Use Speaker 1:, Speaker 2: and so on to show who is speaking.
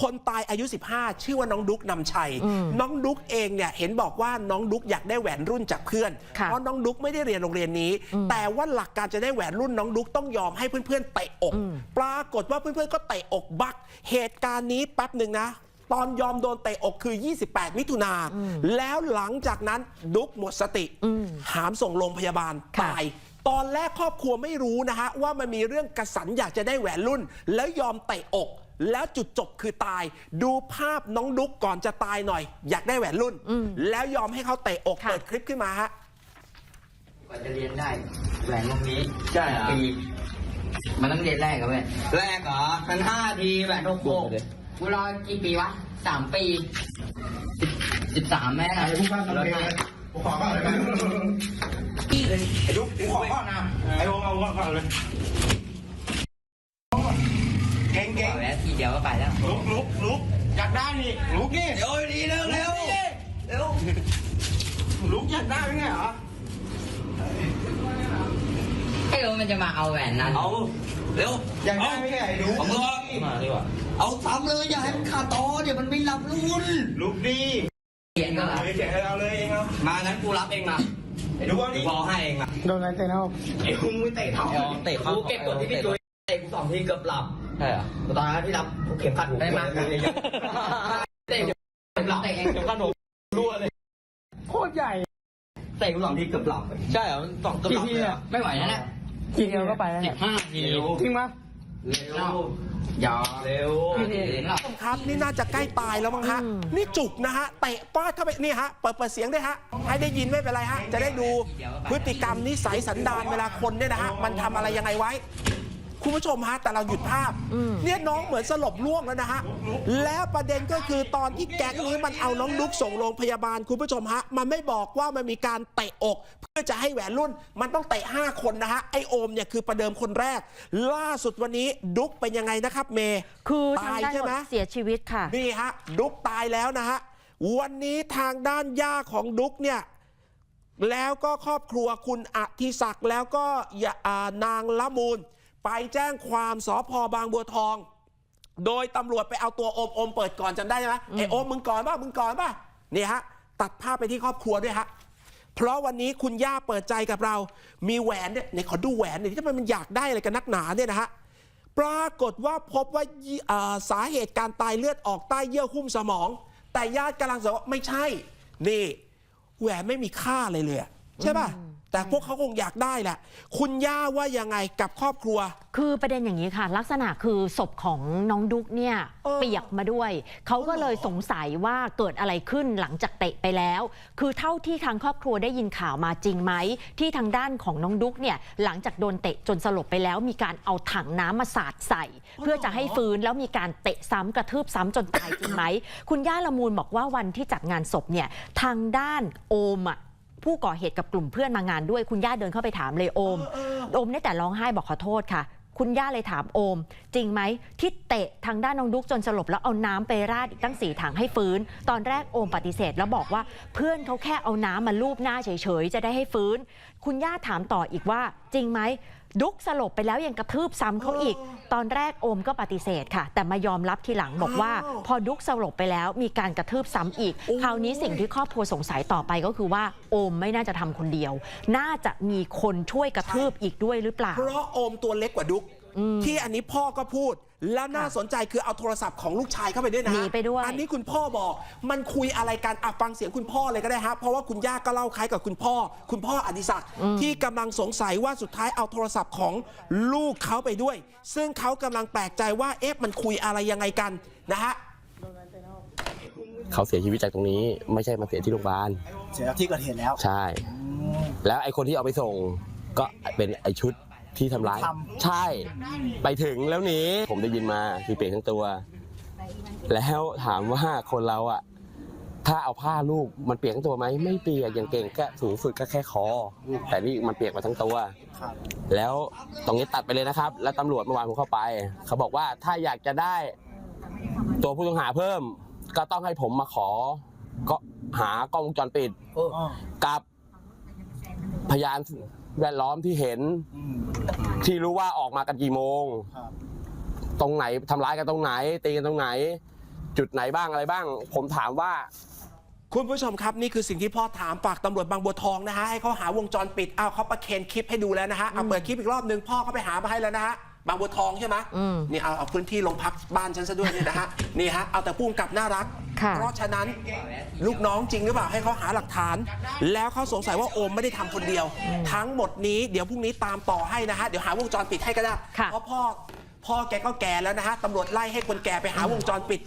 Speaker 1: คนตายอายุ15ชื่อว่าน้องดุ๊กนำชัยน้องดุ๊กเองเนี่ยเห็นบอกว่าน้องดุ๊กอยากได้แหวนรุ่นจากเพื่อนเพราะน้องดุ๊กไม่ได้เรียนโรงเรียนนี้แต่ว่าหลักการจะได้แหวนรุ่นน้องดุ๊กต้องยอมให้เพื่อนๆเตะอกปรากฏว่าเพื่อนๆก็เตะอกบักเหตุการณ์นี้แป๊บหนึ่งนะตอนยอมโดนเตะอกคือ28มิถุนาแล้วหลังจากนั้นดุ๊กหมดสติหามส่งโรงพยาบาลตายตอนแรกครอบครัวไม่รู้นะฮะว่ามันมีเรื่องกระสันอยากจะได้แหวนรุ่นแล้วยอมเตะอกแล้วจุดจบคือตายดูภาพน้องดุ๊กก่อนจะตายหน่อยอยากได้แหวนรุ่นแล้วยอมให้เขาเตะอกเปิดคลิปขึ้นมาฮะ
Speaker 2: กว่าจะเรียนได้แหวนวงนี้
Speaker 3: ใช่เหรอ
Speaker 2: ปีมันต้องเรียนแรกกับแม่แรกเหรอมัน5 ทีแหวน6 กูรอกี่ปีวะ3 ปี13แม่นะ
Speaker 3: ผู้การทำเองเลยผมขอก่อนเลยไอ้ดุ๊กผมขอก่อนนะไอ้โอมเอาก่อนเลยเก่ง
Speaker 2: แล้วทีเดียวก็ไปแล้ว
Speaker 3: ลุกอยากได้นี่ลุกนี่
Speaker 2: เดี๋ยวดีเร็ว
Speaker 3: ลุกอยากได้ไม่ไงเหรอ
Speaker 2: ไอ้โอมันจะมาเอาแหวนนั้น
Speaker 3: เอาเร็วอยากได้ไม่ไงดุ๊ก
Speaker 2: มาดีกว่าเอาซ้ำเลยอย่าให้มันขาดตอเดี๋ยวมันไม่รับรุ่น
Speaker 3: ลุกดี
Speaker 2: เขียนก็
Speaker 3: เขียนให้เราเลยเองเอา
Speaker 2: มางั้นกูรับเองมา
Speaker 3: ไอ้ดุ๊กเอาดิ
Speaker 2: พอให้เองมา
Speaker 4: โดนอะไรเตะเท้า
Speaker 3: ไอ้คุ้งไม่เตะเท้า
Speaker 2: กูเก็บกดที่พี่จุ้ยเตะกู2 ทีเกือบหลับใช่เหรอตอนนั้นพี่รับกูเข็มขัดหูได้มาเตะเกือบหลับเข็มขัดหูรั่วเลย
Speaker 4: โคตรใหญ่
Speaker 2: เตะกู2 ทีเกือบหลับใช่เหรอ2 เกือบหลับเลยไม่ไหวแล้วเนี่ย
Speaker 4: ทีเดียวก็ไปแล้ว
Speaker 2: 15 ที
Speaker 4: จริงปะ
Speaker 2: เร็วอย่าเร็ว
Speaker 1: ครับนี่น่าจะใกล้ตายแล้วมั้งฮะนี่จุกนะฮะเตะป้าเข้าไปนี่ฮะเปิดเสียงด้วยฮะให้ได้ยินไม่เป็นไรฮะจะได้ดูพฤติกรรมนิสัยสันดานเวลาคนเนี่ยนะฮะมันทำอะไรยังไงไว้คุณผู้ชมฮะแต่เราหยุดภาพเนี่ยน้องเหมือนสลบล่วงแล้วนะฮะแล้วประเด็นก็คือตอนที่แก๊งนี้มันเอาน้องดุ๊กส่งโรงพยาบาลคุณผู้ชมฮะมันไม่บอกว่ามันมีการเตะอกเพื่อจะให้แหวนรุ่นมันต้องเตะ5 คนนะฮะไอโอมเนี่ยคือประเดิมคนแรกล่าสุดวันนี้ดุ๊กเป็นยังไงนะครับเมย์
Speaker 5: คือตายใช่ไหมเสียชีวิตค่ะ
Speaker 1: นี่ฮะดุ๊กตายแล้วนะฮะวันนี้ทางด้านย่าของดุ๊กเนี่ยแล้วก็ครอบครัวคุณอธิศักดิ์แล้วก็นางละมูลไปแจ้งความสภ.บางบัวทองโดยตำรวจไปเอาตัวโอมเปิดก่อนจำได้ไหมไอโอมมึงก่อนป่ะนี่ฮะตัดภาพไปที่ครอบครัวด้วยฮะเพราะวันนี้คุณย่าเปิดใจกับเรามีแหวนเนี่ยขอดูแหวนหน่อยที่มันอยากได้อะไรกันนักหนาเนี่ยนะฮะปรากฏว่าพบว่าสาเหตุการตายเลือดออกใต้เยื่อหุ้มสมองแต่ญาติกำลังบอกว่าไม่ใช่นี่แหวนไม่มีค่าเลยใช่ป่ะแต่พวกเขาคงอยากได้แหละคุณย่าว่ายังไงกับครอบครัว
Speaker 5: คือประเด็นอย่างนี้ค่ะลักษณะคือศพของน้องดุ๊กเนี่ยเปียกมาด้วยเขาก็เลยสงสัยว่าเกิดอะไรขึ้นหลังจากเตะไปแล้วคือเท่าที่ทางครอบครัวได้ยินข่าวมาจริงไหมที่ทางด้านของน้องดุ๊กเนี่ยหลังจากโดนเตะจนสลบไปแล้วมีการเอาถังน้ำมาสาดใส่เพื่อจะให้ฟื้นแล้วมีการเตะซ้ำกระทืบซ้ำจนตายจริงไหมคุณย่าละมูลบอกว่าวันที่จัดงานศพเนี่ยทางด้านโอมผู้ก่อเหตุกับกลุ่มเพื่อนมางานด้วยคุณย่าเดินเข้าไปถามเลยโอมได้แต่ร้องไห้บอกขอโทษค่ะคุณย่าเลยถามโอมจริงไหมที่เตะทางด้านน้องดุ๊กจนสลบแล้วเอาน้ำไปราดอีกตั้ง4 ถังให้ฟื้นตอนแรกโอมปฏิเสธแล้วบอกว่าเพื่อนเขาแค่เอาน้ำมาลูบหน้าเฉยๆจะได้ให้ฟื้นคุณย่าถามต่ออีกว่าจริงไหมดุ๊กสลบไปแล้วยังกระทืบซ้ำเขาอีกตอนแรกโอมก็ปฏิเสธค่ะแต่มายอมรับทีหลังบอกว่าพอดุ๊กสลบไปแล้วมีการกระทืบซ้ำอีกคราวนี้สิ่งที่ครอบครัวสงสัยต่อไปก็คือว่าโอมไม่น่าจะทำคนเดียวน่าจะมีคนช่วยกระทืบอีกด้วยหรือเปล่า
Speaker 1: เพราะโอมตัวเล็กกว่าดุ๊กที่อันนี้พ่อก็พูดแล้วน่าสนใจคือเอาโทรศัพท์ของลูกชายเข้าไปด้วยนะ
Speaker 5: หนีไปด้วย
Speaker 1: อันนี้คุณพ่อบอกมันคุยอะไรกันฟังเสียงคุณพ่อเลยก็ได้ฮะเพราะว่าคุณย่าก็เล่าคล้ายกับคุณพ่ออดิศักดิ์ที่กำลังสงสัยว่าสุดท้ายเอาโทรศัพท์ของลูกเขาไปด้วยซึ่งเขากำลังแปลกใจว่ามันคุยอะไรยังไงกันนะฮะ
Speaker 6: เขาเสียชีวิตจากตรงนี้ไม่ใช่มาเสียที่โรงพยาบาล
Speaker 4: เสียที่เกิดเหตุแล้ว
Speaker 6: ใช่แล้วไอ้คนที่เอาไปส่งก็เป็นไอ้ชุดที่ทำร้ายใช่ไปถึงแล้วนี้ผมได้ยินมาคือเปียกทั้งตัวแล้วถามว่าคนเราถ้าเอาผ้าลูกมันเปียกทั้งตัวไหมไม่เปียกอย่างเก่งก็สูงสุดก็แค่คอแต่นี่มันเปียกมาทั้งตัวแล้วตรงนี้ตัดไปเลยนะครับแล้วตำรวจเมื่อวานผมเข้าไปเขาบอกว่าถ้าอยากจะได้ตัวผู้ต้องหาเพิ่มก็ต้องให้ผมมาขอก็หากล้องวงจรปิดกับพยานแวดล้อมที่เห็นที่รู้ว่าออกมากันกี่โมงตรงไหนทำร้ายกันตรงไหนตีกันตรงไหนจุดไหนบ้างอะไรบ้าง ผมถามว่า
Speaker 1: คุณผู้ชมครับนี่คือสิ่งที่พ่อถามฝากตำรวจบางบัวทองนะฮะให้เขาหาวงจรปิดเอาเขาประเคนคลิปให้ดูแล้วนะฮะเอาเปิดคลิปอีกรอบนึงพ่อเขาไปหามาให้แล้วนะฮะบางบัวทองใช่ไหมนี่เอาพื้นที่โรงพักบ้านฉันซะด้วยนี่นะฮะนี่ฮะเอาแต่ผู้กำกับน่ารัก
Speaker 5: ค่ะ
Speaker 1: เพราะฉะนั้นลูกน้องจริงหรือเปล่าให้เขาหาหลักฐาน แล้วเขาสงสัยว่าโอมไม่ได้ทำคนเดียว ทั้งหมดนี้เดี๋ยวพรุ่งนี้ตามต่อให้นะฮะเดี๋ยวหาวงจรปิดให้ก็ได้
Speaker 5: ค่ะ
Speaker 1: เพราะพ่อแกก็แก่แล้วนะฮะตำรวจไล่ให้คนแก่ไปหาวงจรปิด